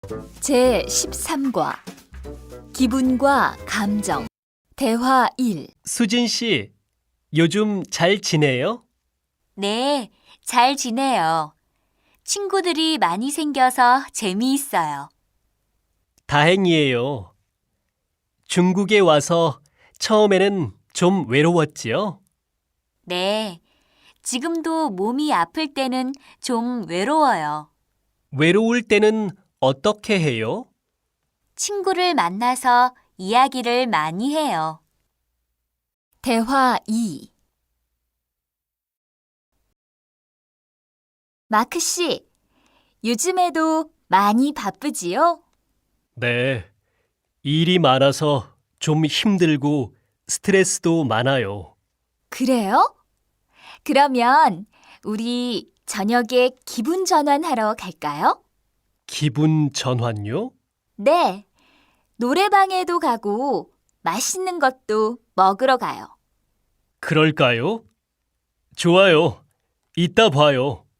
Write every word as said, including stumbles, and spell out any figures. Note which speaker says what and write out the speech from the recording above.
Speaker 1: 제십삼 과 기분과 감정 대화 일.
Speaker 2: 수진 씨, 요즘 잘 지내요?
Speaker 3: 네, 잘 지내요. 친구들이 많이 생겨서 재미있어요.
Speaker 2: 다행이에요. 중국에 와서 처음에는 좀 외로웠지요?
Speaker 3: 네, 지금도 몸이 아플 때는 좀 외로워요.
Speaker 2: 외로울 때는 어떻게 해요?
Speaker 3: 친구를 만나서 이야기를 많이 해요.
Speaker 1: 대화 이. 마크 씨, 요즘에도 많이 바쁘지요?
Speaker 2: 네, 일이 많아서 좀 힘들고 스트레스도 많아요.
Speaker 1: 그래요? 그러면 우리 저녁에 기분 전환하러 갈까요?
Speaker 2: 기분 전환요?
Speaker 1: 네, 노래방에도 가고 맛있는 것도 먹으러 가요.
Speaker 2: 그럴까요? 좋아요. 이따 봐요.